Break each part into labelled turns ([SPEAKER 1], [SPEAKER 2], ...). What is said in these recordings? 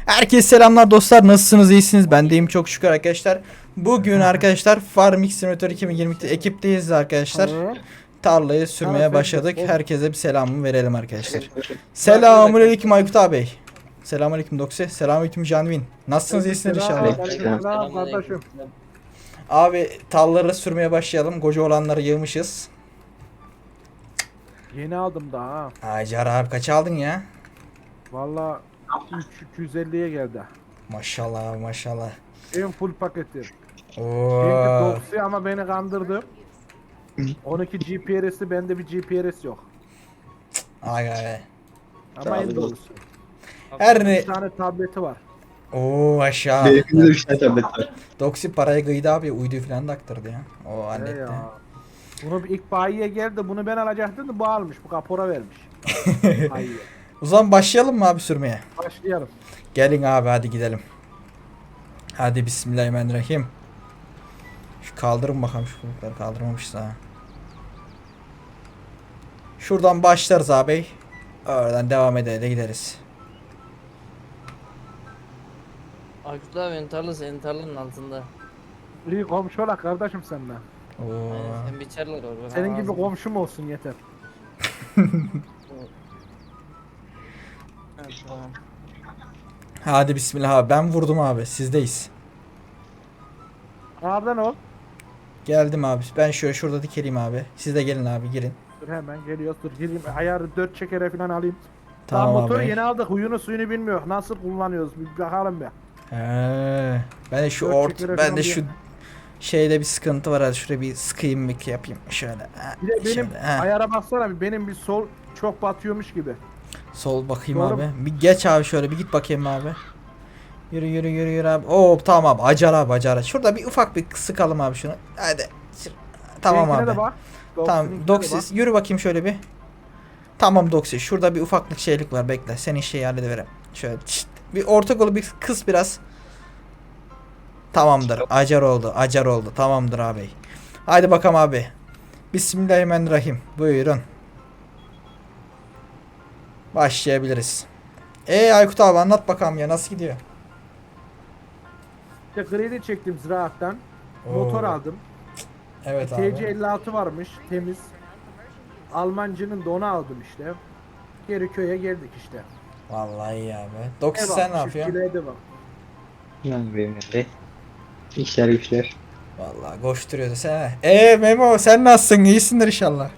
[SPEAKER 1] Herkese selamlar dostlar, nasılsınız, iyisiniz? Ben deyim çok şükür arkadaşlar. Bugün arkadaşlar Farming Simulator 2022'de ekipteyiz arkadaşlar. Tarlayı sürmeye başladık. Herkese bir selamımı verelim arkadaşlar. Selamünaleyküm Aykut abi. Selamünaleyküm Doksi. Selamünaleyküm Canvin. Nasılsınız, iyisiniz inşallah?
[SPEAKER 2] Selam kardeşim.
[SPEAKER 1] Abi tarlaları sürmeye başlayalım. Koca olanları yığmışız.
[SPEAKER 2] Yeni aldım daha.
[SPEAKER 1] Acar abi kaç aldın ya?
[SPEAKER 2] Valla 250'ye geldi.
[SPEAKER 1] Maşallah abi maşallah.
[SPEAKER 2] En full paketi.
[SPEAKER 1] Oo.
[SPEAKER 2] Benimki Doxy ama beni kandırdı. 12 GPS'i bende bir GPS yok.
[SPEAKER 1] Ay ay.
[SPEAKER 2] Ama en doğrusu.
[SPEAKER 1] Her ne...
[SPEAKER 2] Bir tane tableti var.
[SPEAKER 1] Oo aşağı.
[SPEAKER 3] Benimkinde de 3 tane tablet var.
[SPEAKER 1] Doksi parayı kıydı abi, uydu falan da aktırdı ya. O halletti.
[SPEAKER 2] Ya. Bunu ilk bayiye geldi. Bunu ben alacaktım da bu almış. Bu kapora vermiş. Bayiye.
[SPEAKER 1] O zaman başlayalım mı abi sürmeye?
[SPEAKER 2] Başlayalım.
[SPEAKER 1] Gelin abi hadi gidelim. Hadi bismillahirrahmanirrahim. Şu kaldırın bakalım, şu kulakları kaldırmamışız ha. Şuradan başlarız abi. Oradan devam ede gideriz.
[SPEAKER 4] Aykut abi benim tarla senin tarlanın altında.
[SPEAKER 2] İyi komşu olak kardeşim seninle.
[SPEAKER 1] Oo.
[SPEAKER 4] Aynen sen biçerler orada.
[SPEAKER 2] Senin gibi komşum olsun yeter.
[SPEAKER 4] Evet, tamam.
[SPEAKER 1] Hadi bismillah abi, ben vurdum abi, sizdeyiz.
[SPEAKER 2] Nereden ol?
[SPEAKER 1] Geldim abi, ben şöyle şurada dikeleyim abi. Siz de gelin abi, girin.
[SPEAKER 2] Dur hemen geliyoruz. Dur gireyim. Ayarı 4 çekere falan alayım.
[SPEAKER 1] Tamam
[SPEAKER 2] Daha motoru
[SPEAKER 1] abi.
[SPEAKER 2] yeni aldık. Huyunu suyunu bilmiyor. Nasıl kullanıyoruz? Bir bakalım be.
[SPEAKER 1] He. Ben de şu
[SPEAKER 2] Dört çekere
[SPEAKER 1] ben
[SPEAKER 2] falan
[SPEAKER 1] de
[SPEAKER 2] bir-
[SPEAKER 1] şu şeyde bir sıkıntı var, hadi şuraya bir sıkayım, bir yapayım şöyle. Ha,
[SPEAKER 2] Bir de benim
[SPEAKER 1] şöyle, ha.
[SPEAKER 2] ayara baksana bir benim bir sol çok batıyormuş gibi.
[SPEAKER 1] Sol bakayım
[SPEAKER 2] Doğru
[SPEAKER 1] abi. Bir geç abi, şöyle bir git bakayım abi. Yürü yürü yürü yürü abi. Oo tamam abi, acar abi acar. Şurada bir ufak bir sıkalım abi şunu. Hadi. Tamam
[SPEAKER 2] Seninkine
[SPEAKER 1] abi.
[SPEAKER 2] de bak.
[SPEAKER 1] Tamam
[SPEAKER 2] Doxy'ninkine de
[SPEAKER 1] Doksis yürü bakayım şöyle bir. Tamam Doksis, şurada bir ufaklık şeylik var, bekle. Senin şeyi hallediverem. Şöyle çıt. Bir orta kolu bir kıs biraz. Tamamdır. Acar oldu. Acar oldu. Tamamdır abi. Haydi bakalım abi. Bismillahirrahmanirrahim. Buyurun. Başlayabiliriz. Aykut abi anlat bakalım ya, nasıl gidiyor?
[SPEAKER 2] İşte kredi çektim ziraattan.
[SPEAKER 1] Oo.
[SPEAKER 2] Motor aldım.
[SPEAKER 1] Evet abi.
[SPEAKER 2] TC56 varmış temiz. Almancının da onu aldım işte. Geri köye geldik işte.
[SPEAKER 1] Vallahi iyi abi. Doksis
[SPEAKER 2] Ev
[SPEAKER 1] sen ne
[SPEAKER 2] almış,
[SPEAKER 1] yapıyorsun?
[SPEAKER 2] çiftçiliğe de bak.
[SPEAKER 3] Yani benim de. İşler güçler.
[SPEAKER 1] Vallahi koşturuyordu sen. Memo sen nasılsın? İyisindir inşallah.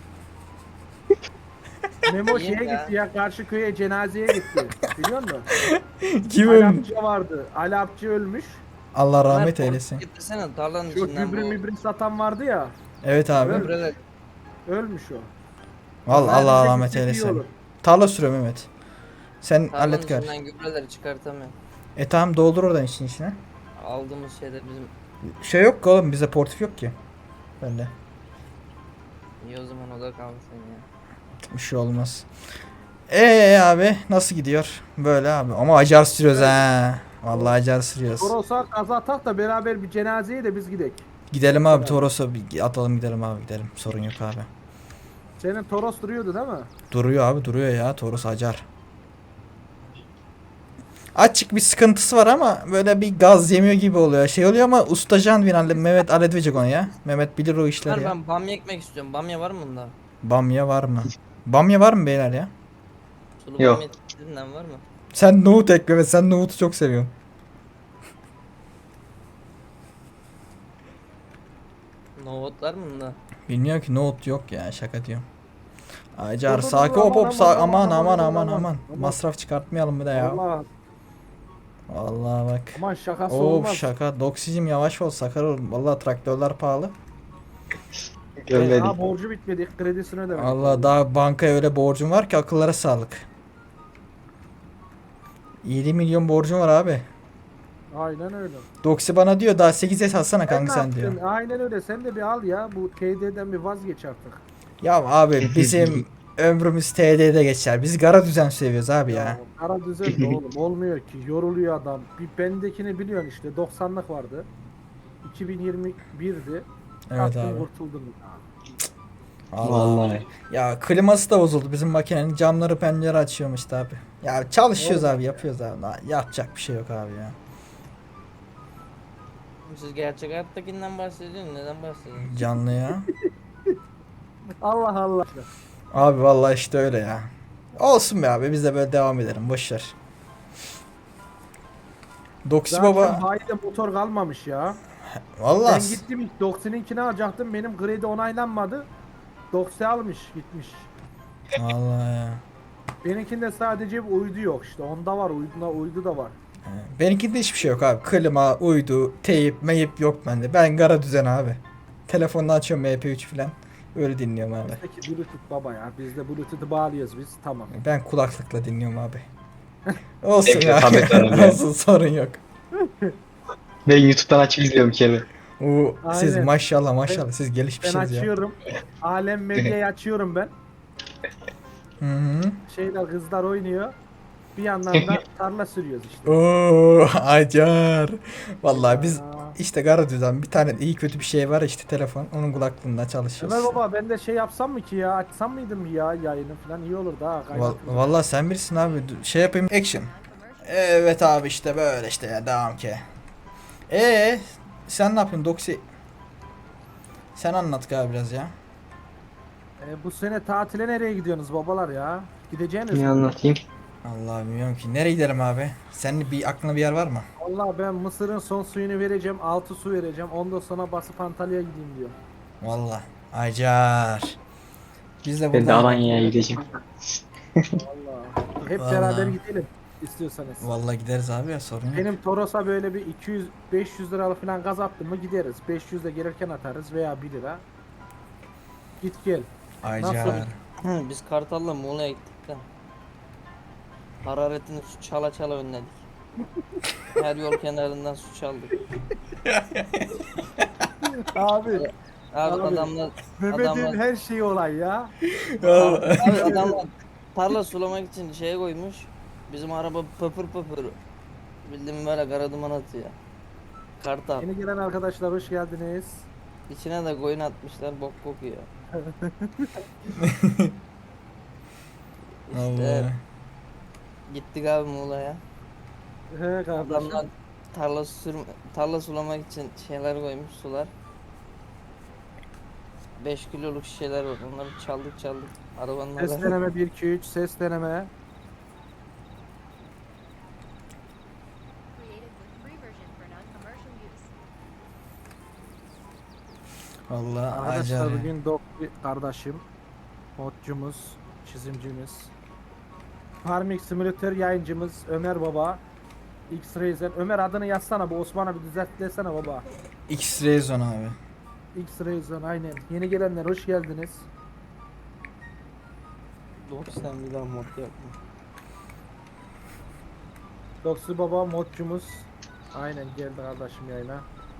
[SPEAKER 2] Memo
[SPEAKER 4] İyiyim
[SPEAKER 2] şeye
[SPEAKER 4] ya.
[SPEAKER 2] gitti ya karşı köye cenazeye gitti. Biliyor musun?
[SPEAKER 1] Kim ölmüş?
[SPEAKER 2] Alapçı vardı. Alapçı ölmüş.
[SPEAKER 1] Allah rahmet
[SPEAKER 4] Ömer,
[SPEAKER 1] eylesin.
[SPEAKER 4] Getirsene tarlanın
[SPEAKER 2] Şu
[SPEAKER 4] içinden
[SPEAKER 2] gübre
[SPEAKER 4] bu
[SPEAKER 2] mübre satan vardı ya.
[SPEAKER 1] Evet abi.
[SPEAKER 4] gübreler.
[SPEAKER 2] Ölmüş o.
[SPEAKER 1] Vallahi Allah
[SPEAKER 2] Bize
[SPEAKER 1] rahmet
[SPEAKER 2] gitsek iyi
[SPEAKER 1] eylesin.
[SPEAKER 2] olur.
[SPEAKER 1] Tarla sürüyor Mehmet. Sen
[SPEAKER 4] Tarlanın
[SPEAKER 1] hallet gör.
[SPEAKER 4] içinden gübreleri çıkartamıyorum.
[SPEAKER 1] Tamam, doldur oradan içine.
[SPEAKER 4] Aldığımız şeyler bizim.
[SPEAKER 1] Şey yok ki oğlum, bizde portif yok ki. Bende.
[SPEAKER 4] İyi o zaman o da kalsın ya.
[SPEAKER 1] Bir şey olmaz. Abi nasıl gidiyor? Böyle abi. Ama acar sürüyoruz ha. Vallahi acar sürüyoruz.
[SPEAKER 2] Toros'a kaza atak da beraber bir cenazeye de biz gidek.
[SPEAKER 1] Gidelim abi Toros'a bir atalım, gidelim abi, gidelim. Sorun yok abi.
[SPEAKER 2] Senin Toros duruyordu değil mi?
[SPEAKER 1] Duruyor abi, duruyor ya, Toros acar. Açık bir sıkıntısı var ama böyle bir gaz yemiyor gibi oluyor. Şey oluyor ama usta Canvin Mehmet halledecek onu ya. Mehmet bilir o işleri
[SPEAKER 4] Ömer
[SPEAKER 1] ya.
[SPEAKER 4] ben bamya ekmek istiyorum. Bamya var mı bunda?
[SPEAKER 1] Bamya var mı? Bamya var mı beyler ya?
[SPEAKER 4] Sulu
[SPEAKER 3] Yok.
[SPEAKER 4] bamya dediğinden var mı?
[SPEAKER 1] Sen nohut ekle ve sen nohutu çok seviyorsun.
[SPEAKER 4] Nohut var mı bunda?
[SPEAKER 1] Bilmiyorum ki, nohut yok ya, şaka diyorum. Acar
[SPEAKER 2] Dur, dur,
[SPEAKER 1] sakin,
[SPEAKER 2] dur,
[SPEAKER 1] hop hop aman aman aman
[SPEAKER 2] aman.
[SPEAKER 1] aman. Masraf çıkartmayalım bir de ya.
[SPEAKER 2] Allah
[SPEAKER 1] Vallahi bak.
[SPEAKER 2] aman şakası
[SPEAKER 1] Of
[SPEAKER 2] olmaz.
[SPEAKER 1] şaka. Doksicim yavaş ol, sakar ol. Vallahi traktörler pahalı.
[SPEAKER 3] Görmedik.
[SPEAKER 2] Daha borcu bitmedi. Kredisini ödemedik.
[SPEAKER 1] Allah, daha bankaya öyle borcum var ki akıllara sağlık. 7 milyon borcum var abi.
[SPEAKER 2] Aynen öyle.
[SPEAKER 1] Doksi bana diyor daha 8'e alsana kanka
[SPEAKER 2] ne
[SPEAKER 1] sen diyor.
[SPEAKER 2] yaptın? Aynen öyle. Sen de bir al ya. Bu TD'den bir vazgeç artık.
[SPEAKER 1] Ya abi bizim ömrümüz TD'de geçer. Biz gara düzen seviyoruz abi ya.
[SPEAKER 2] Kara düzen de oğlum. Olmuyor ki. Yoruluyor adam. Bir bendekini biliyorsun işte. 90'lık vardı. 2021'di.
[SPEAKER 1] Evet
[SPEAKER 2] Taktım,
[SPEAKER 1] abi.
[SPEAKER 2] kurtuldum.
[SPEAKER 3] Vallahi.
[SPEAKER 1] Ya kliması da bozuldu bizim makinenin, camları pencere açıyormuş işte abi. Ya çalışıyoruz abi, yapıyoruz abi. Yapacak bir şey yok abi ya.
[SPEAKER 4] Siz gerçek hayattakinden bahsediyorsunuz. Neden bahsediyorsunuz?
[SPEAKER 1] Canlı ya.
[SPEAKER 2] Allah Allah.
[SPEAKER 1] Abi vallahi işte öyle ya. Olsun be abi, biz de böyle devam edelim, boşver. Doksi
[SPEAKER 2] Zaten
[SPEAKER 1] baba
[SPEAKER 2] bayide motor kalmamış ya.
[SPEAKER 1] vallahi
[SPEAKER 2] Ben gittim ilk Doxi'ninkini alacaktım. Benim kredi onaylanmadı. Doxi almış gitmiş.
[SPEAKER 1] vallahi ya.
[SPEAKER 2] Benimkinde sadece bir uydu yok işte. Onda var, uydu da var.
[SPEAKER 1] Benimkinde hiçbir şey yok abi. Klima, uydu, teyip, meyip yok bende. Ben gara düzen abi. Telefonla açıyorum MP3 falan. Öyle dinliyorum abi.
[SPEAKER 2] Peki Bluetooth baba ya. Biz de Bluetooth'u bağlıyoruz biz. Tamam.
[SPEAKER 1] Ben kulaklıkla dinliyorum abi. Olsun
[SPEAKER 3] Hepsi
[SPEAKER 1] ya.
[SPEAKER 3] tablet var abi.
[SPEAKER 1] Olsun, sorun yok.
[SPEAKER 3] Ben YouTube'dan açıp izliyorum bir kere.
[SPEAKER 1] Siz
[SPEAKER 2] Aynen.
[SPEAKER 1] maşallah maşallah siz
[SPEAKER 2] Ben
[SPEAKER 1] gelişmişsiniz ya.
[SPEAKER 2] açıyorum. Alem Medya'yı açıyorum ben.
[SPEAKER 1] Hı hı.
[SPEAKER 2] Şeyler kızlar oynuyor. Bir yandan da tarla sürüyoruz işte.
[SPEAKER 1] Oo, acar. Vallahi biz
[SPEAKER 2] Aa.
[SPEAKER 1] işte gara düzen bir tane iyi kötü bir şey var işte, telefon. Onun kulaklığında çalışıyoruz.
[SPEAKER 2] Ömer baba ben de şey yapsam mı ki ya? Açsam mıydım ya yayını falan iyi olurdu ha. kaynatırdım.
[SPEAKER 1] Vallahi sen bilirsin abi. Şey yapayım, action. Evet abi, işte böyle işte ya, devam ki. Sen ne yapıyorsun Doksi? Sen anlat abi biraz ya.
[SPEAKER 2] Bu sene tatile nereye gidiyorsunuz babalar ya? Gideceğiniz
[SPEAKER 3] Ne
[SPEAKER 2] mi?
[SPEAKER 3] anlatayım?
[SPEAKER 1] Allah bilmiyorum ki. Nereye gidelim abi? Senin bir aklına bir yer var mı?
[SPEAKER 2] Vallahi ben Mısır'ın son suyunu vereceğim. 6 su vereceğim. Ondan sonra basıp Antalya'ya gideyim diyor.
[SPEAKER 1] Vallahi. Acar. Biz de
[SPEAKER 3] Ben de
[SPEAKER 1] buradan.
[SPEAKER 3] Alanya'ya gideceğim.
[SPEAKER 2] Vallahi. Hep
[SPEAKER 1] Vallahi.
[SPEAKER 2] beraber gidelim istiyorsanız.
[SPEAKER 1] Vallahi gideriz abi ya, sorun yok.
[SPEAKER 2] Benim Toros'a böyle bir 200-500 liralık falan gaz attım mı gideriz. 500 de gelirken atarız veya 1 lira. Git gel.
[SPEAKER 1] Acar.
[SPEAKER 4] Biz Kartal'la Muğla'ya gittik de. Hararetini su çala çala önledik. Her yol kenarından su çaldık.
[SPEAKER 2] Abi
[SPEAKER 4] Abi,
[SPEAKER 2] Abi,
[SPEAKER 4] adamlar
[SPEAKER 2] Mehmet'in her şeyi olay ya.
[SPEAKER 4] abi adamlar tarla sulamak için şeye koymuş. Bizim araba pöpür pöpür. Bildiğin böyle kara duman atıyor. Kartal.
[SPEAKER 2] Yeni gelen arkadaşlar hoş geldiniz.
[SPEAKER 4] İçine de koyun atmışlar, bok kokuyor. İşte
[SPEAKER 1] Allah.
[SPEAKER 4] gittik abi Muğla'ya.
[SPEAKER 2] He kardeşim.
[SPEAKER 4] Adamlar tarla sulamak için şeyler koymuş, sular. 5 kiloluk şişeler var. Onları çaldık. Arabanın
[SPEAKER 2] Ses
[SPEAKER 4] arasına.
[SPEAKER 2] deneme 1 2 3 ses deneme.
[SPEAKER 5] Created with free version for non-commercial use.
[SPEAKER 1] Vallahi
[SPEAKER 2] Arkadaşlar
[SPEAKER 1] acar.
[SPEAKER 2] bugün Doktor kardeşim, modcumuz, çizimcimiz, Farming Simulator yayıncımız Ömer Baba, X-Ray'den. Ömer adını yazsana, bu Osman'a bir düzeltlesene baba.
[SPEAKER 1] X-Ray Zone abi.
[SPEAKER 2] X-Ray'den aynen. Yeni gelenler hoş geldiniz.
[SPEAKER 4] 90 bir daha mod yapma.
[SPEAKER 2] Doksu Baba modcumuz. Aynen geldi kardeşim yayına.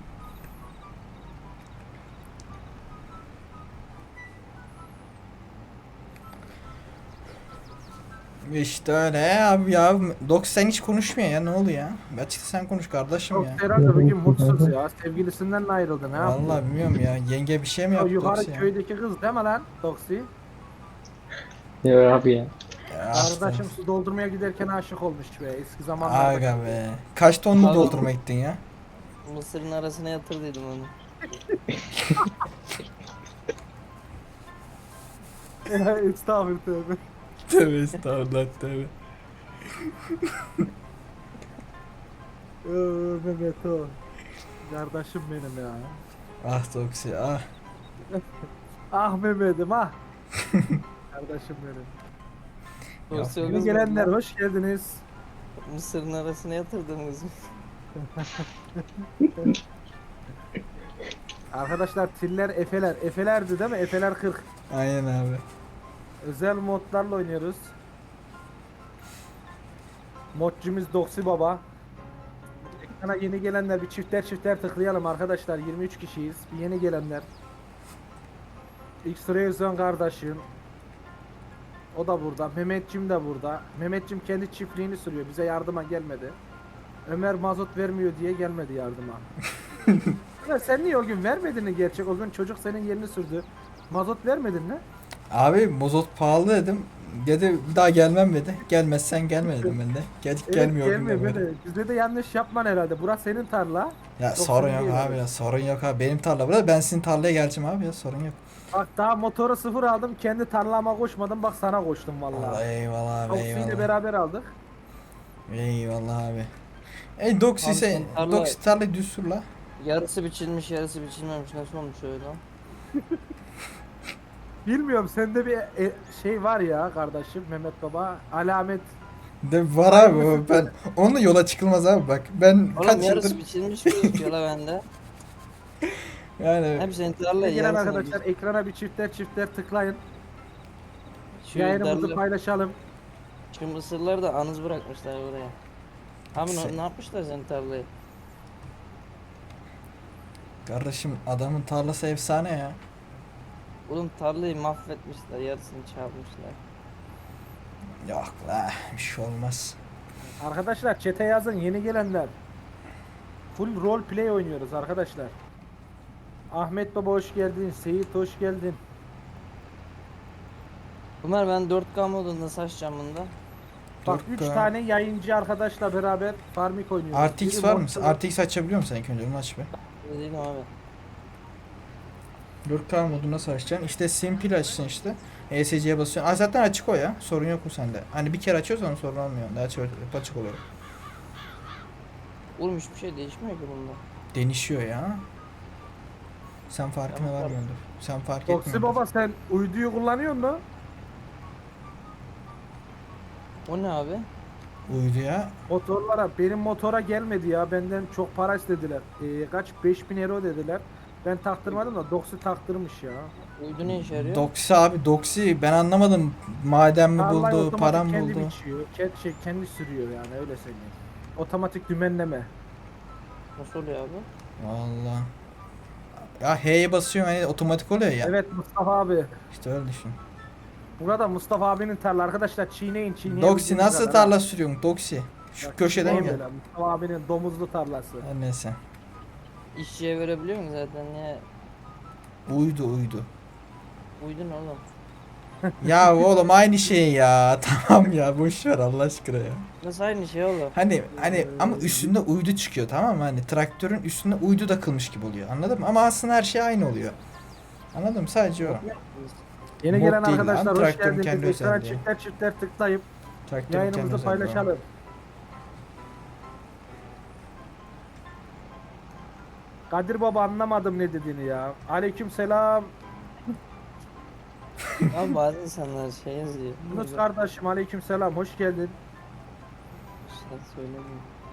[SPEAKER 1] İşte öyle abi ya. Dox sen hiç konuşmuyor ya, ne oluyor ya? Açıkçası sen konuş kardeşim
[SPEAKER 2] Çok
[SPEAKER 1] ya.
[SPEAKER 2] herhalde bugün mutsuz ya. Sevgilisinden mi ayrıldı ne yaptı?
[SPEAKER 1] Vallahi bilmiyorum ya. Yenge bir şey mi
[SPEAKER 2] O
[SPEAKER 1] yaptı
[SPEAKER 2] yukarı
[SPEAKER 1] Dox ya?
[SPEAKER 2] köydeki kız değil mi lan Doksi?
[SPEAKER 3] Ya abi ya.
[SPEAKER 1] Ya işte.
[SPEAKER 2] Kardeşim su doldurmaya giderken aşık olmuş be eski zamanlarda.
[SPEAKER 1] Aga be. Kaç tonlu
[SPEAKER 4] Abi.
[SPEAKER 1] doldurma gittin ya?
[SPEAKER 4] Mısırın arasına yatırdıydım onu.
[SPEAKER 2] Estağfurullah tövbe.
[SPEAKER 1] Tövbe estağfurullah, tövbe.
[SPEAKER 2] Mehmet o. Kardeşim benim ya.
[SPEAKER 1] Ah Doxy ah.
[SPEAKER 2] Ah Mehmet'im ah. Kardeşim benim.
[SPEAKER 4] Dosya
[SPEAKER 2] Yeni
[SPEAKER 4] kız
[SPEAKER 2] gelenler
[SPEAKER 4] mı?
[SPEAKER 2] hoş geldiniz.
[SPEAKER 4] Mısırın arasına yatırdım kızım.
[SPEAKER 2] Arkadaşlar tiller efeler. Efelerdi değil mi? Efeler 40.
[SPEAKER 1] Aynen abi.
[SPEAKER 2] Özel modlarla oynuyoruz. Modcumuz Doksi Baba. Ekrana yeni gelenler bir çifter tıklayalım arkadaşlar. 23 kişiyiz. Bir yeni gelenler. X-Ray Zone kardeşim. O da burada. Mehmetçim de burada. Mehmetçim kendi çiftliğini sürüyor. Bize yardıma gelmedi. Ömer mazot vermiyor diye gelmedi yardıma. Ömer sen niye o gün vermedin mi gerçek? O gün çocuk senin yerini sürdü. Mazot vermedin mi?
[SPEAKER 1] Abi mazot pahalı dedim. Dedi bir daha gelmem dedi. Gelmezsen gelme dedim ben de. Gelmiyor
[SPEAKER 2] gelmiyor
[SPEAKER 1] günden beri.
[SPEAKER 2] böyle. Bizde de yanlış yapman herhalde. Burası senin tarla.
[SPEAKER 1] Ya
[SPEAKER 2] Yoksa
[SPEAKER 1] sorun
[SPEAKER 2] değil
[SPEAKER 1] yok abi ya, sorun yok abi. Benim tarla burada, ben sizin tarlaya geleceğim abi ya, sorun yok.
[SPEAKER 2] Bak daha motoru sıfır aldım. Kendi tarlama koşmadım. Bak sana koştum
[SPEAKER 1] Vallahi
[SPEAKER 2] vallahi.
[SPEAKER 1] eyvallah abi,
[SPEAKER 2] Toksiyle
[SPEAKER 1] eyvallah.
[SPEAKER 2] beraber aldık.
[SPEAKER 1] Eyvallah abi. Doksi
[SPEAKER 4] Abi
[SPEAKER 1] sen,
[SPEAKER 4] senin tarla-
[SPEAKER 1] Doksi tarlayı düz sür la.
[SPEAKER 4] Yarısı biçilmiş, yarısı biçilmemiş. Nasıl olmuş öyle?
[SPEAKER 2] Bilmiyorum sende bir şey var ya kardeşim Mehmet Baba. Alamet.
[SPEAKER 1] De var abi o, ben onunla yola çıkılmaz abi bak. Ben
[SPEAKER 4] Oğlum
[SPEAKER 1] kaç
[SPEAKER 4] yarısı
[SPEAKER 1] yıldır
[SPEAKER 4] biçilmiş gözüküyor la bende.
[SPEAKER 1] yani
[SPEAKER 4] Hep senin tarla
[SPEAKER 2] Gelen
[SPEAKER 4] yarısını
[SPEAKER 2] arkadaşlar ekrana bir çiftler tıklayın.
[SPEAKER 4] Şu
[SPEAKER 2] Yayınımızı
[SPEAKER 4] darla-
[SPEAKER 2] paylaşalım.
[SPEAKER 4] Şu mısırları da anız bırakmışlar oraya. Abi
[SPEAKER 1] Şey-
[SPEAKER 4] ne yapmışlar senin tarlayı?
[SPEAKER 1] kardeşim adamın tarlası efsane ya.
[SPEAKER 4] Oğlum tarlayı mahvetmişler, yarısını çarpmışlar.
[SPEAKER 1] Yok la, bir şey olmaz.
[SPEAKER 2] Arkadaşlar çete yazın yeni gelenler. Full role play oynuyoruz arkadaşlar. Ahmet Baba hoş geldin. Seyit hoş geldin.
[SPEAKER 4] Ömer ben 4K modunda saçacağım bunda.
[SPEAKER 2] Bak 3
[SPEAKER 1] 4K.
[SPEAKER 2] tane yayıncı arkadaşla beraber Farmik oynuyoruz.
[SPEAKER 1] RTX
[SPEAKER 2] Biri
[SPEAKER 1] var mı?
[SPEAKER 2] Monster-
[SPEAKER 1] RTX açabiliyor musun sen ilk önce, onu aç be.
[SPEAKER 4] Ne diyeyim abi?
[SPEAKER 1] 4K modu nasıl açacaksın? İşte simple açsın işte. ESC'ye basıyorsun. Aa, zaten açık o ya. Sorun yok mu sende? Hani bir kere açıyorsan sorun olmuyor. Daha açık oluyor.
[SPEAKER 4] Oğlum hiçbir şey değişmiyor ki bunda.
[SPEAKER 1] Denişiyor ya. Sen farkına
[SPEAKER 4] Tamam,
[SPEAKER 1] varmıyordur. Sen fark
[SPEAKER 2] Toksi
[SPEAKER 1] etmiyordur.
[SPEAKER 2] Baba sen uyduyu kullanıyor musun?
[SPEAKER 4] O ne abi?
[SPEAKER 1] Uydu ya.
[SPEAKER 2] Motorlara benim motora gelmedi ya benden çok para istediler. Kaç 5000 euro dediler. Ben taktırmadım da Doksi taktırmış ya.
[SPEAKER 4] Uydu ne işe yarıyor?
[SPEAKER 1] Doksi abi, Doksi ben anlamadım. Maden mi
[SPEAKER 2] Tarlayı
[SPEAKER 1] buldu,
[SPEAKER 2] otomatik
[SPEAKER 1] para mı
[SPEAKER 2] kendi
[SPEAKER 1] buldu?
[SPEAKER 2] biçiyor. Kendi sürüyor yani öyle söyleyeyim. Otomatik dümenleme.
[SPEAKER 4] Nasıl oluyor abi?
[SPEAKER 1] Valla. Ya H'ye basıyorum hani otomatik oluyor ya.
[SPEAKER 2] Evet Mustafa abi.
[SPEAKER 1] İşte öyle düşün.
[SPEAKER 2] Burada Mustafa abinin tarla arkadaşlar çiğneyin.
[SPEAKER 1] Doksi nasıl tarla sürüyorsun Doksi? Şu köşeden gel.
[SPEAKER 2] böyle. Mustafa abinin domuzlu tarlası.
[SPEAKER 1] Her neyse.
[SPEAKER 4] İşçiye verebiliyor musun zaten ya?
[SPEAKER 1] Uydu.
[SPEAKER 4] Uydu ne oğlum?
[SPEAKER 1] Ya oğlum aynı şey ya. Tamam ya, boş ver Allah aşkına ya.
[SPEAKER 4] Nasıl aynı şey oğlum?
[SPEAKER 1] Hani ama üstünde uydu çıkıyor, tamam mı? Hani traktörün üstünde uydu takılmış gibi oluyor. Anladın mı? Ama aslında her şey aynı oluyor. Anladın mı? Sadece o.
[SPEAKER 2] Yeni
[SPEAKER 1] Mod
[SPEAKER 2] gelen
[SPEAKER 1] değil lan,
[SPEAKER 2] arkadaşlar hoş
[SPEAKER 1] traktörün
[SPEAKER 2] geldiniz.
[SPEAKER 1] kendi
[SPEAKER 2] Ekrana
[SPEAKER 1] özelliği.
[SPEAKER 2] çiftler tıklayıp
[SPEAKER 1] Traktörün kendi
[SPEAKER 2] yayınımızı
[SPEAKER 1] özelliği var.
[SPEAKER 2] paylaşalım. Kadir Baba anlamadım ne dediğini ya. Aleyküm selam.
[SPEAKER 4] Abi bazı insanlar şey yazıyor.
[SPEAKER 2] Yunus kardeşim aleyküm selam. Hoş geldin.
[SPEAKER 4] İşte söylemiyorum.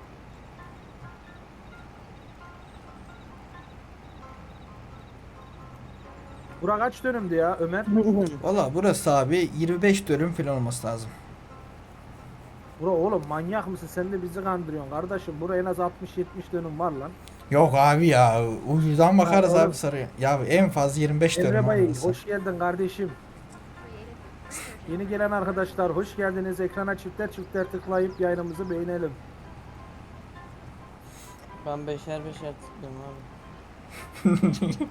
[SPEAKER 2] Bura kaç dönümdü ya Ömer?
[SPEAKER 1] Valla burası abi 25 dönüm falan olması lazım.
[SPEAKER 2] Bura oğlum manyak mısın? Sen de bizi kandırıyorsun kardeşim. Bura en az 60-70 dönüm var lan.
[SPEAKER 1] Yok abi ya, uydudan bakarız
[SPEAKER 2] oğlum.
[SPEAKER 1] abi sarıya. Ya en fazla 25 dönüm
[SPEAKER 2] Emre Bey
[SPEAKER 1] burası.
[SPEAKER 2] hoş geldin kardeşim. Yeni gelen arkadaşlar hoş geldiniz. Ekrana çiftler tıklayıp yayınımızı beğenelim.
[SPEAKER 4] Ben beşer tıklıyorum abi.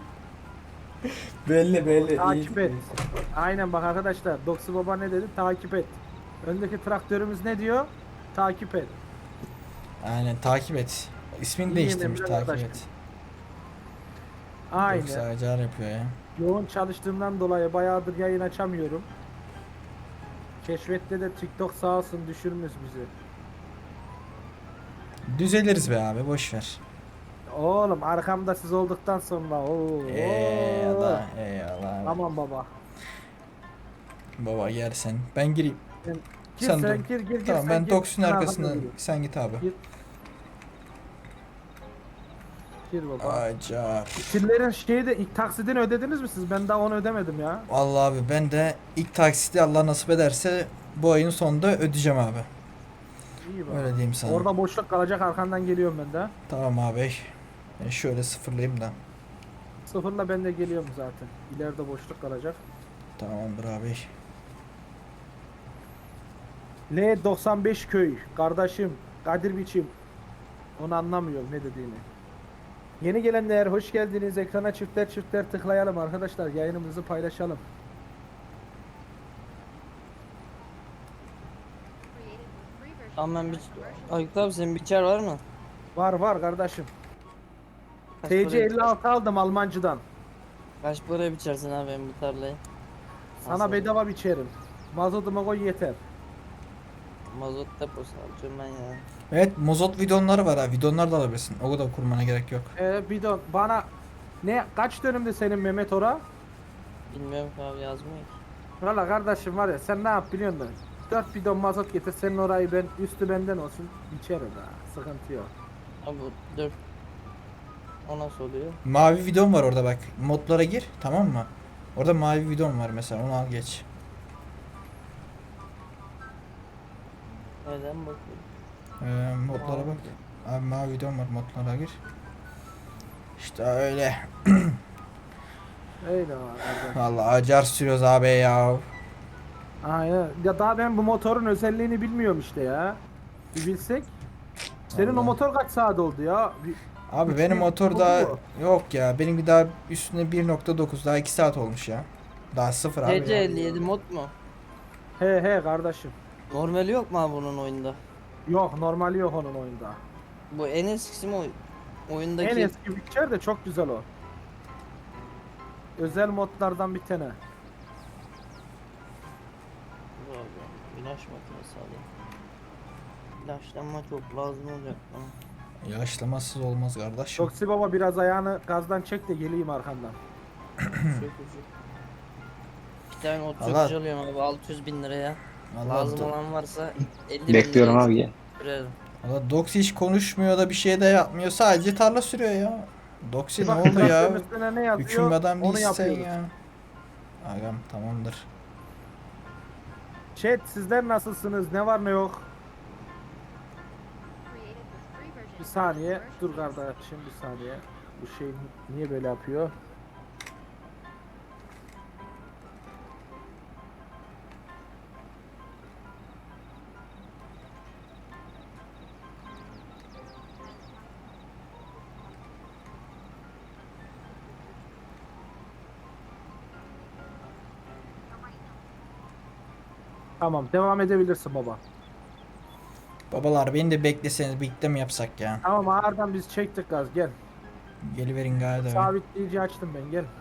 [SPEAKER 1] Belli
[SPEAKER 2] Takip et. Aynen bak arkadaşlar. Doksi Baba ne dedi? Takip et. Öndeki traktörümüz ne diyor? Takip et.
[SPEAKER 1] Aynen, takip et. İsmini
[SPEAKER 2] İyi
[SPEAKER 1] değiştirmiş,
[SPEAKER 2] Emre
[SPEAKER 1] takip
[SPEAKER 2] kardeş.
[SPEAKER 1] et.
[SPEAKER 2] Aynen.
[SPEAKER 1] Yoksa acar yapıyor ya.
[SPEAKER 2] Yoğun çalıştığımdan dolayı bayağıdır yayın açamıyorum. Keşfette de TikTok sağ olsun düşürmüş bizi.
[SPEAKER 1] Düzeliriz be abi, boş ver.
[SPEAKER 2] Oğlum arkamda siz olduktan sonra
[SPEAKER 1] Eyvallah.
[SPEAKER 2] Tamam baba.
[SPEAKER 1] Baba gel sen. Ben gireyim.
[SPEAKER 2] Gir
[SPEAKER 1] Sen
[SPEAKER 2] sen,
[SPEAKER 1] dur.
[SPEAKER 2] gir
[SPEAKER 1] Tamam,
[SPEAKER 2] sen
[SPEAKER 1] ben
[SPEAKER 2] gir.
[SPEAKER 1] Doksun
[SPEAKER 2] Ben
[SPEAKER 1] arkasından
[SPEAKER 2] arkamda durayım.
[SPEAKER 1] sen git abi.
[SPEAKER 2] Gir baba.
[SPEAKER 1] Acar.
[SPEAKER 2] Sillerin şeyi de ilk taksidini ödediniz mi siz? Ben daha onu ödemedim ya.
[SPEAKER 1] Vallahi abi ben de ilk taksiti Allah nasip ederse bu ayın sonunda ödeyeceğim abi.
[SPEAKER 2] İyi bak.
[SPEAKER 1] Öyle diyeyim sana.
[SPEAKER 2] Orada boşluk kalacak arkandan geliyorum ben de.
[SPEAKER 1] Tamam abi. Şöyle sıfırlayayım da.
[SPEAKER 2] Sıfırla ben de geliyorum zaten. İleride boşluk kalacak.
[SPEAKER 1] Tamamdır abi.
[SPEAKER 2] L95 köy kardeşim Kadir biçim. Onu anlamıyorum ne dediğini. Yeni gelenler hoş geldiniz. Ekrana çiftler tıklayalım arkadaşlar. Yayınımızı paylaşalım.
[SPEAKER 4] Tamam ben bir... Aykut abi senin biçer var mı?
[SPEAKER 2] Var var kardeşim.
[SPEAKER 4] Kaç
[SPEAKER 2] TC
[SPEAKER 4] paraya,
[SPEAKER 2] 56 aldım Almancıdan.
[SPEAKER 4] kaç paraya biçersin abi benim bu tarlayı?
[SPEAKER 2] Sana
[SPEAKER 4] Nasıl?
[SPEAKER 2] bedava biçerim. Mazotuma koy yeter.
[SPEAKER 4] Mazot deposu alacağım ben ya.
[SPEAKER 1] Evet, mozot bidonları var ha. Bidonlar da alabilirsin. O kadar kurmana gerek yok.
[SPEAKER 2] Bidon bana ne kaç dönümde senin Mehmet ora?
[SPEAKER 4] Bilmiyorum ki abi yazmıyor ki.
[SPEAKER 2] Valla kardeşim var ya sen ne yap biliyor musun? 4 bidon mazot getir senin orayı ben üstü benden olsun biçerim ha. Sıkıntı yok.
[SPEAKER 4] Abi dur. O nasıl oluyor?
[SPEAKER 1] Mavi bidon var orada bak. Modlara gir, tamam mı? Orada mavi bidon var mesela. Onu al geç.
[SPEAKER 4] Neden bakıyorum?
[SPEAKER 1] Modlara bak. Abi mavi bidon var, modlara gir. İşte öyle.
[SPEAKER 2] Öyle var kardeşim.
[SPEAKER 1] Vallahi acar sürüyoruz abi ya.
[SPEAKER 2] Aynen. Ya daha ben bu motorun özelliğini bilmiyorum işte ya. Bir bilsek. Senin o
[SPEAKER 1] Vallahi.
[SPEAKER 2] motor kaç saat oldu ya?
[SPEAKER 1] Abi
[SPEAKER 2] Üç
[SPEAKER 1] benim
[SPEAKER 2] bin
[SPEAKER 1] motor
[SPEAKER 2] oldu
[SPEAKER 1] daha
[SPEAKER 2] mu?
[SPEAKER 1] yok ya. Benimki daha üstüne 1.9, daha 2 saat olmuş ya. Daha sıfır abi
[SPEAKER 4] TC
[SPEAKER 1] ya.
[SPEAKER 4] 57 mod mu?
[SPEAKER 2] He kardeşim.
[SPEAKER 4] Normali yok mu abi bunun oyunda?
[SPEAKER 2] Yok normali yok onun oyunda.
[SPEAKER 4] Bu en eskisi mi oyundaki?
[SPEAKER 2] En eski Witcher de çok güzel o. Özel modlardan bir tane.
[SPEAKER 4] Dur abi, İlaç makinesi alayım. İlaçlanma çok lazım olacak bana.
[SPEAKER 1] Yaşlamasız olmaz kardeş.
[SPEAKER 2] Toksi baba biraz ayağını gazdan çek de geleyim arkandan.
[SPEAKER 4] Sökücü. Bir tane ot
[SPEAKER 1] Allah.
[SPEAKER 4] sökücü alıyorum abi 600 bin liraya.
[SPEAKER 1] Allah
[SPEAKER 4] Lazım
[SPEAKER 1] do-
[SPEAKER 4] olan varsa 50 bin
[SPEAKER 3] Bekliyorum
[SPEAKER 4] liraya
[SPEAKER 3] abi gel.
[SPEAKER 4] sürerim.
[SPEAKER 1] Allah Doxy hiç konuşmuyor da bir şey de yapmıyor. Sadece tarla sürüyor ya. Doxy ne
[SPEAKER 2] Bak,
[SPEAKER 1] oldu ya?
[SPEAKER 2] traktörün üstüne ne yazıyor?
[SPEAKER 1] Hüküm adam
[SPEAKER 2] Onu
[SPEAKER 1] değilsin sen
[SPEAKER 2] yapıyoruz.
[SPEAKER 1] ya. Agam tamamdır.
[SPEAKER 2] Chat sizler nasılsınız? Ne var ne yok?
[SPEAKER 5] Created with free version
[SPEAKER 2] Bir
[SPEAKER 5] for
[SPEAKER 2] saniye.
[SPEAKER 5] non-commercial
[SPEAKER 2] Dur
[SPEAKER 5] use.
[SPEAKER 2] kardeşim bir saniye. Bu şey niye böyle yapıyor? Tamam devam edebilirsin baba.
[SPEAKER 1] Babalar beni de bekleseniz birlikte mi yapsak ya?
[SPEAKER 2] Tamam ağırdan biz çektik gaz gel.
[SPEAKER 1] Geliverin galiba.
[SPEAKER 2] Sabitleyici açtım ben gel.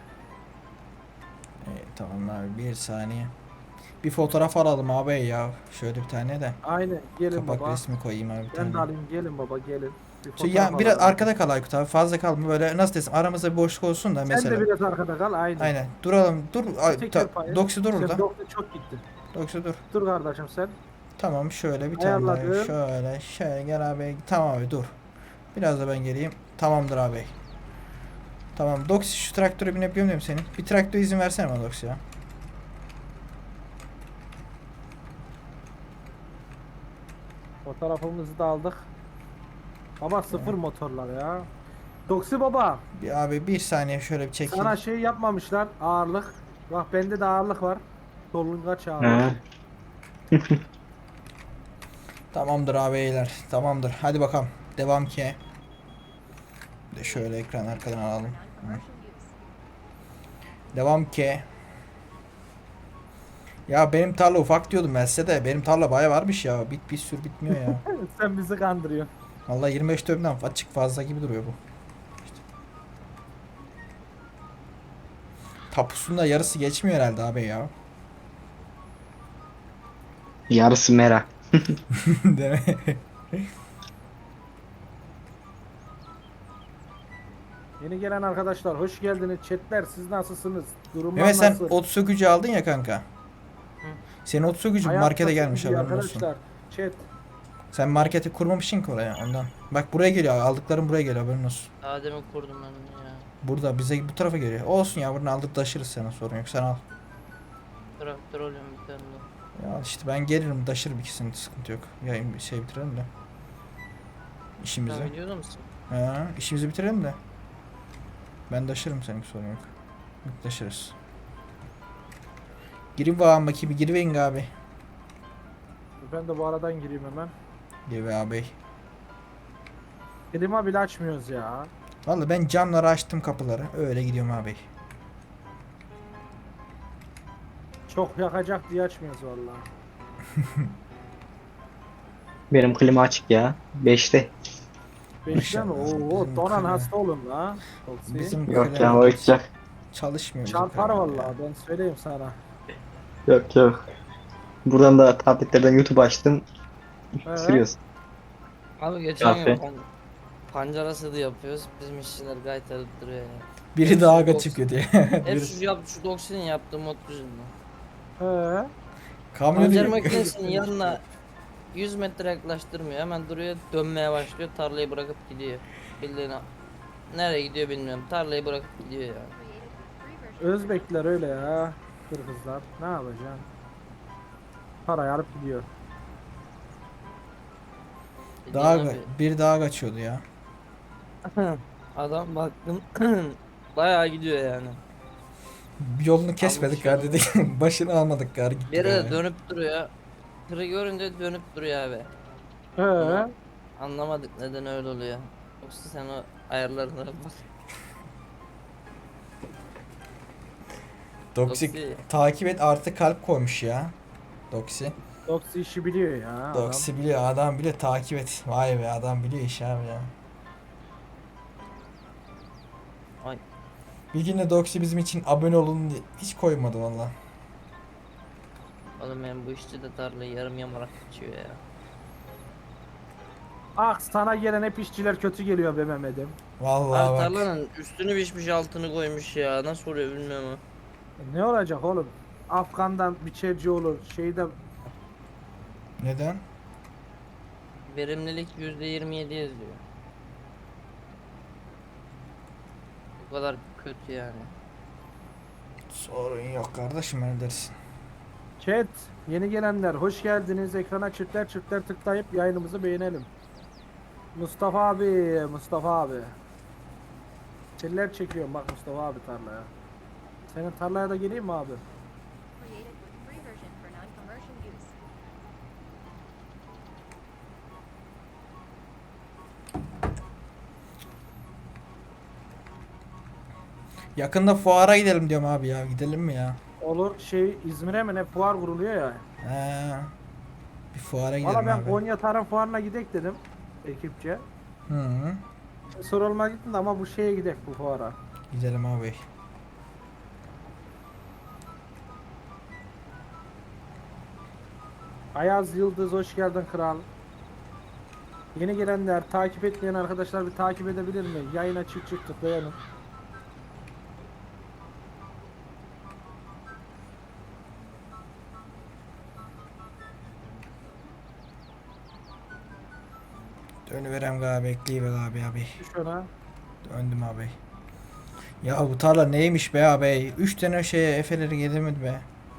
[SPEAKER 1] Tamam abi bir saniye. Bir fotoğraf alalım abi ya. Şöyle bir tane de.
[SPEAKER 2] Aynen gelin
[SPEAKER 1] Kapak
[SPEAKER 2] baba.
[SPEAKER 1] resmi koyayım abi bir
[SPEAKER 2] Ben de
[SPEAKER 1] tane.
[SPEAKER 2] alayım gelin baba gelin. Bir
[SPEAKER 1] Şey,
[SPEAKER 2] fotoğraf
[SPEAKER 1] ya biraz
[SPEAKER 2] alalım.
[SPEAKER 1] arkada kal Aykut abi, fazla kalma, böyle nasıl desem aramızda bir boşluk olsun da
[SPEAKER 2] Sen
[SPEAKER 1] mesela.
[SPEAKER 2] de biraz arkada kal aynen.
[SPEAKER 1] Aynen duralım, dur.
[SPEAKER 2] Teker payı.
[SPEAKER 1] Doksi dur
[SPEAKER 2] Sen
[SPEAKER 1] orada.
[SPEAKER 2] doktor çok gittin.
[SPEAKER 1] Doksi dur.
[SPEAKER 2] Dur kardeşim sen.
[SPEAKER 1] Tamam şöyle bir tane daha,
[SPEAKER 2] Ayarladım.
[SPEAKER 1] şöyle gel abi, tamam abi dur. Biraz da ben geleyim. Tamamdır abi. Tamam Doksi, şu traktöre binebiliyor muyum senin? Bir traktöre izin versene bana Doksi ya.
[SPEAKER 2] Fotoğrafımızı da aldık. Baba sıfır motorlar ya. Doksi baba
[SPEAKER 1] Bir abi bir saniye şöyle bir çekeyim.
[SPEAKER 2] sana şey yapmamışlar ağırlık. Bak bende de ağırlık var. Solungaç ağırlık.
[SPEAKER 3] Ha.
[SPEAKER 1] Tamamdır abi beyler. Tamamdır. Hadi bakalım. Devam ki. Bir de şöyle ekran arkadan alalım.
[SPEAKER 5] Non-commercial use.
[SPEAKER 1] Devam ki. Ya benim tarla ufak diyordum ben size de. Benim tarla baya varmış ya. Bir sürü bitmiyor ya.
[SPEAKER 2] Sen bizi kandırıyorsun.
[SPEAKER 1] Vallahi 25 dönümden açık fazla gibi duruyor bu. İşte. Tapusunda yarısı geçmiyor herhalde abi ya.
[SPEAKER 3] Yarısı mera.
[SPEAKER 1] Değil mi?
[SPEAKER 2] Yeni gelen arkadaşlar hoş geldiniz. Chatler siz nasılsınız? Durumlar
[SPEAKER 1] Mehmet sen
[SPEAKER 2] nasıl?
[SPEAKER 1] ot sökücü aldın ya kanka. Senin ot sökücü
[SPEAKER 2] Hayat
[SPEAKER 1] markete
[SPEAKER 2] nasıl
[SPEAKER 1] gelmiş
[SPEAKER 2] gidiyor
[SPEAKER 1] haberin olsun.
[SPEAKER 2] arkadaşlar? Chat.
[SPEAKER 1] Sen marketi kurmamışsın ki oraya ondan. Bak buraya geliyor, aldıklarım buraya geliyor haberin olsun.
[SPEAKER 4] Daha demin kurdum ben onu ya.
[SPEAKER 1] Burada bize bu tarafa geliyor. Olsun ya, buradan aldık taşırız, sana sorun yok, sen al.
[SPEAKER 4] Traktör alıyorum bir tane de.
[SPEAKER 1] Ya işte ben gelirim taşırım ikisini, sıkıntı yok. Ya bir şey bitirelim de. İşimizi.
[SPEAKER 4] Sen biliyor musun?
[SPEAKER 1] Ha, işimizi bitirelim de. Ben taşırım, senin sorun yok. Taşırız. Girin bakalım bakayım, giriverin abi.
[SPEAKER 2] Ben de bu aradan gireyim hemen.
[SPEAKER 1] Gir be abi.
[SPEAKER 2] Klima bile açmıyoruz ya.
[SPEAKER 1] Vallahi ben camları açtım, kapıları. Öyle gidiyorum abi.
[SPEAKER 2] Çok yakacak diye açmıyoruz vallahi.
[SPEAKER 3] Benim klima açık ya. 5'te.
[SPEAKER 2] 5'te mi? Oo,
[SPEAKER 1] Bizim
[SPEAKER 2] donan
[SPEAKER 1] klima-
[SPEAKER 2] hasta olun la. Toksi.
[SPEAKER 1] Bizim
[SPEAKER 3] Yok ya
[SPEAKER 1] klima
[SPEAKER 3] oyuncak.
[SPEAKER 1] çalışmıyor bizim
[SPEAKER 2] Çarpar
[SPEAKER 1] klima
[SPEAKER 2] vallahi
[SPEAKER 1] ya.
[SPEAKER 2] ben söyleyeyim sana.
[SPEAKER 3] Yok yok. Buradan da tabletlerden YouTube açtım.
[SPEAKER 2] He?
[SPEAKER 3] Sürüyoruz.
[SPEAKER 4] Abi geçen gün
[SPEAKER 3] Kahve.
[SPEAKER 4] pancara sığdı yapıyoruz. Bizim işçiler gayet alıp duruyor ya.
[SPEAKER 1] Biri daha
[SPEAKER 4] Hepsi
[SPEAKER 1] çıkıyor diye.
[SPEAKER 4] Hep
[SPEAKER 1] Birisi-
[SPEAKER 4] şu Doxy'nin yaptığı mod yüzünden.
[SPEAKER 2] He?
[SPEAKER 1] Kamyonu
[SPEAKER 4] Pancar makinesinin yanına 100 metre yaklaştırmıyor. Hemen duruyor, dönmeye başlıyor. Tarlayı bırakıp gidiyor. Bildiğin nereye gidiyor bilmiyorum. Tarlayı bırakıp gidiyor ya.
[SPEAKER 5] Created with free version.
[SPEAKER 2] Özbekler öyle ya. Kırgızlar. Ne yapacaksın? Parayı alıp gidiyor.
[SPEAKER 1] daha
[SPEAKER 4] Bildiğin abi,
[SPEAKER 1] bir daha kaçıyordu ya.
[SPEAKER 4] adam baktım bayağı gidiyor yani.
[SPEAKER 1] Yolunu kesmedik
[SPEAKER 4] şey
[SPEAKER 1] gar dedik. Başını almadık gar gitti.
[SPEAKER 4] Bir yere
[SPEAKER 1] böyle.
[SPEAKER 4] de dönüp duruyor. Tırı görünce dönüp duruyor abi.
[SPEAKER 2] He?
[SPEAKER 4] Anlamadık neden öyle oluyor. Yoksa sen o ayarlarına bak.
[SPEAKER 1] Doksik
[SPEAKER 4] Doksi.
[SPEAKER 1] takip et artı kalp koymuş ya. Doksi.
[SPEAKER 2] Doksi işi biliyor ya adam.
[SPEAKER 1] Doksi biliyor adam bile takip et. Vay be adam biliyor iş abi ya.
[SPEAKER 4] Ay.
[SPEAKER 1] Bir gün de Doksi bizim için abone olun diye hiç koymadı valla.
[SPEAKER 4] Oğlum benim bu işçi de tarlayı yarım yamarak geçiyor ya.
[SPEAKER 2] Ah sana gelen hep işçiler kötü geliyor be Mehmet'im.
[SPEAKER 1] Vallahi
[SPEAKER 4] Abi
[SPEAKER 1] bak.
[SPEAKER 4] tarlanın üstünü biçmiş altını koymuş ya. Nasıl oluyor bilmiyorum ama.
[SPEAKER 2] Ne olacak oğlum? Afgan'dan biçerci olur. Şeyde
[SPEAKER 1] Neden?
[SPEAKER 4] Verimlilik %27 yazıyor. Bu kadar kötü yani.
[SPEAKER 1] Sorun yok kardeşim öyle dersin.
[SPEAKER 2] chat yeni gelenler hoş geldiniz. Ekrana çiftler çiftler tıklayıp yayınımızı beğenelim. Mustafa abi, Mustafa abi. Çiller çekiyorum bak Mustafa abi tarlaya. Senin tarlaya da geleyim mi abi?
[SPEAKER 5] Created with free version for non-commercial use.
[SPEAKER 1] Yakında fuara gidelim diyorum abi ya. Gidelim mi ya?
[SPEAKER 2] Olur şey İzmir'e mi ne fuar kuruluyor ya.
[SPEAKER 1] He. Bir fuara gidelim
[SPEAKER 2] Valla ben
[SPEAKER 1] abi.
[SPEAKER 2] Konya Tarım Fuarı'na gidek dedim ekipçe.
[SPEAKER 1] Hı -hı.
[SPEAKER 2] Sorulma gittim de ama bu şeye gidek bu fuara.
[SPEAKER 1] Gidelim abi.
[SPEAKER 2] Ayaz Yıldız hoş geldin kral. Yeni gelenler, takip etmeyen arkadaşlar bir takip edebilir mi? Yayına çık çık tıklayalım.
[SPEAKER 1] Dönüverem abi bekleyiver abi.
[SPEAKER 2] Düş ona.
[SPEAKER 1] Döndüm abi. Ya bu tarla neymiş be abi? 3 tane şeye efeleri gelemedi be.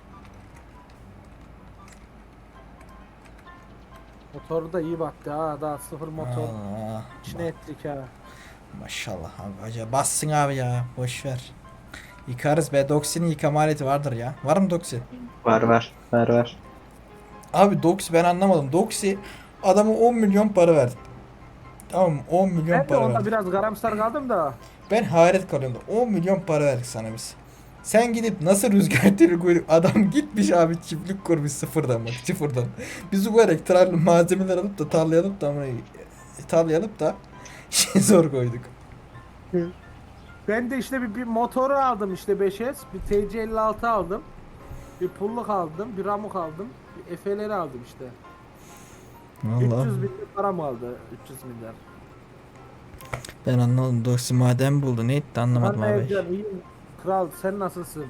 [SPEAKER 2] Motoru da iyi baktı ha. Daha sıfır motor.
[SPEAKER 1] Allah.
[SPEAKER 2] İçine ettik ha.
[SPEAKER 1] Maşallah abi. Acaba bassın abi ya. Boş ver. Yıkarız be. Doxi'nin yıkama aleti vardır ya. Var mı Doxi?
[SPEAKER 3] Var.
[SPEAKER 1] Abi Doxi ben anlamadım. Doxi adama 10 milyon para verdi. Tamam mı? 10 milyon
[SPEAKER 2] Ben de
[SPEAKER 1] para
[SPEAKER 2] onda
[SPEAKER 1] verdi.
[SPEAKER 2] biraz garamsar kaldım da.
[SPEAKER 1] Ben hayret kalıyorum da 10 milyon para verdik sana biz. Sen gidip nasıl rüzgar teli koyduk? Adam gitmiş abi çiftlik kurmuş sıfırdan bak sıfırdan. Biz bu böyle tarla malzemeler alıp da tarlaya alıp da tarlaya alıp da şey zor koyduk.
[SPEAKER 2] Ben de işte bir motoru aldım işte 5S. Bir TC56 aldım. Bir pulluk aldım. Bir ramuk aldım. Bir Efe'leri aldım işte. 300 bin para mı aldı? 300 milyar.
[SPEAKER 1] Ben anlamadım. Doksi maden buldu. Ne etti anlamadım
[SPEAKER 2] Anne
[SPEAKER 1] abi.
[SPEAKER 2] Ercan iyiyim. Kral sen nasılsın?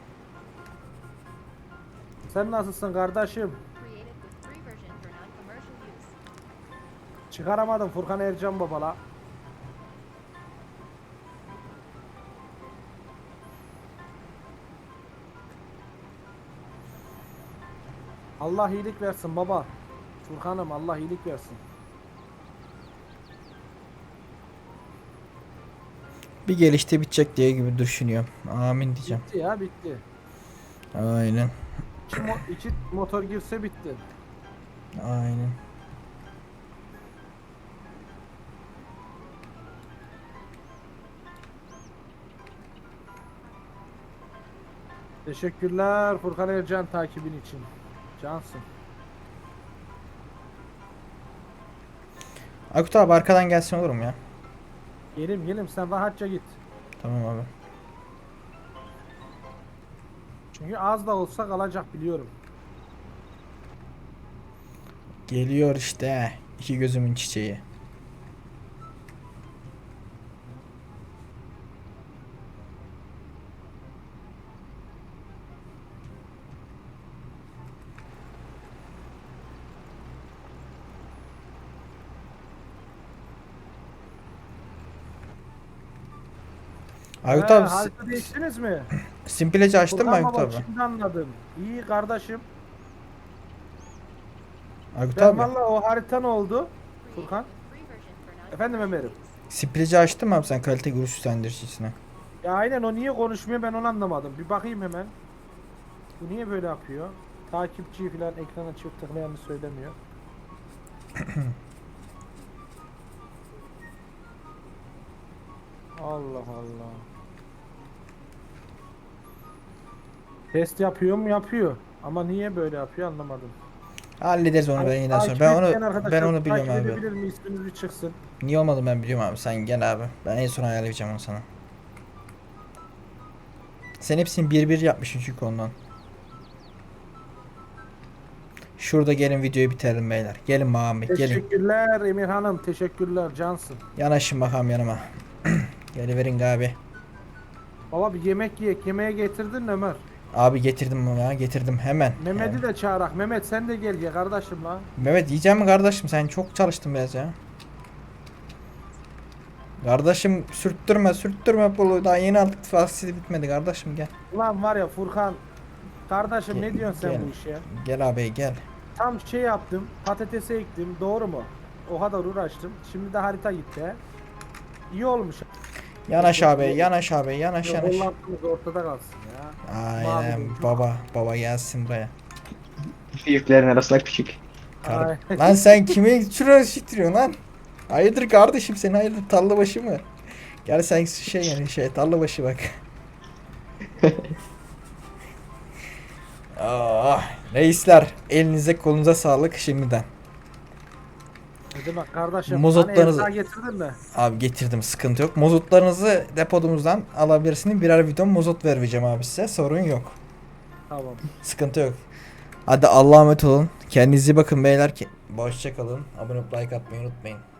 [SPEAKER 2] Sen nasılsın kardeşim?
[SPEAKER 5] Created with free version for non-commercial use.
[SPEAKER 2] Çıkaramadım Furkan Ercan babala. Allah iyilik versin baba. Furkan'ım Allah iyilik versin.
[SPEAKER 1] Bir gelişte bitecek diye gibi düşünüyorum. Amin diyeceğim.
[SPEAKER 2] Bitti ya bitti.
[SPEAKER 1] Aynen.
[SPEAKER 2] İki motor girse bitti.
[SPEAKER 1] Aynen.
[SPEAKER 2] Teşekkürler Furkan Ercan takibin için. Cansın.
[SPEAKER 1] Aykut abi arkadan gelsin olur mu ya?
[SPEAKER 2] Gelim sen rahatça git.
[SPEAKER 1] Tamam abi.
[SPEAKER 2] Çünkü az da olsa kalacak biliyorum.
[SPEAKER 1] Geliyor işte. İki gözümün çiçeği. Aykut abi
[SPEAKER 2] Harita değiştiniz mi?
[SPEAKER 1] Simpleci açtın mı
[SPEAKER 2] Furkan
[SPEAKER 1] Aykut
[SPEAKER 2] baba,
[SPEAKER 1] abi?
[SPEAKER 2] şimdi anladım. İyi kardeşim.
[SPEAKER 1] Aykut
[SPEAKER 2] Ben
[SPEAKER 1] abi.
[SPEAKER 2] valla o harita ne oldu? Furkan.
[SPEAKER 5] Free version for non.
[SPEAKER 2] Efendim Ömer'im.
[SPEAKER 1] Simpleci açtın mı abi sen kalite görüş üstlendiricisinə?
[SPEAKER 2] Ya aynen o niye konuşmuyor ben onu anlamadım. Bir bakayım hemen. Bu niye böyle yapıyor? Takipçiyi falan ekrana çift tıklayanı söylemiyor. Allah Allah. Test yapıyor mu? Yapıyor. Ama niye böyle yapıyor anlamadım.
[SPEAKER 1] Hallederiz onu ben yine sonra.
[SPEAKER 2] Takip
[SPEAKER 1] Ben onu
[SPEAKER 2] etmeyen arkadaşlar,
[SPEAKER 1] ben onu biliyorum
[SPEAKER 2] takip
[SPEAKER 1] abi.
[SPEAKER 2] edebilir mi? İsminiz bir çıksın.
[SPEAKER 1] Niye olmadı ben biliyorum abi. Sen gel abi. Ben en son ayarlayacağım onu sana. Sen hepsini bir bir yapmışsın çünkü ondan. Şurada gelin videoyu bitirelim beyler. Gelin Mahmut gelin.
[SPEAKER 2] Teşekkürler Emir Hanım. Teşekkürler Cansın.
[SPEAKER 1] Yanaşın bakalım yanıma. Geliverin abi.
[SPEAKER 2] Baba bir yemek yiyek. Yemeğe getirdin mi Ömer?
[SPEAKER 1] Abi getirdim bunu ya. Getirdim hemen.
[SPEAKER 2] Mehmet'i de çağırak. Mehmet sen de gel ya kardeşim la.
[SPEAKER 1] Mehmet yiyeceğim mi kardeşim? Sen çok çalıştın biraz ya. Kardeşim sürttürme bunu. Daha yeni aldık fasili bitmedi kardeşim gel.
[SPEAKER 2] Ulan var ya Furkan. Kardeşim ne diyorsun sen
[SPEAKER 1] Gel.
[SPEAKER 2] bu işe?
[SPEAKER 1] Gel abi gel.
[SPEAKER 2] Tam şey yaptım. Patatese ektim. Doğru mu? O kadar uğraştım. Şimdi de harita gitti he. İyi olmuş.
[SPEAKER 1] Yanaş abi yanaş abi yanaş yanaş.
[SPEAKER 2] Hollantımız ortada kalsın ya.
[SPEAKER 1] Aynen
[SPEAKER 2] Mavi.
[SPEAKER 1] baba gelsin buraya.
[SPEAKER 3] Büyüklerin arasında küçük.
[SPEAKER 1] Kar-
[SPEAKER 2] Ay.
[SPEAKER 1] lan sen kime şuraya şittiriyorsun lan? Hayırdır kardeşim sen hayırdır tarla başı mı? Gel sen tarla başı bak. Reisler elinize kolunuza sağlık şimdiden.
[SPEAKER 2] Ne demek kardeşim?
[SPEAKER 1] Mozotlarınızı-
[SPEAKER 2] Hani getirdin mi?
[SPEAKER 1] Abi getirdim sıkıntı yok. Mozotlarınızı depodumuzdan alabilirsiniz. Birer bidon mozot vereceğim abi size sorun yok.
[SPEAKER 2] Tamam.
[SPEAKER 1] Sıkıntı yok. Hadi Allah'a emanet olun. Kendinize iyi bakın beyler. Hoşça kalın. Abone olup like atmayı unutmayın.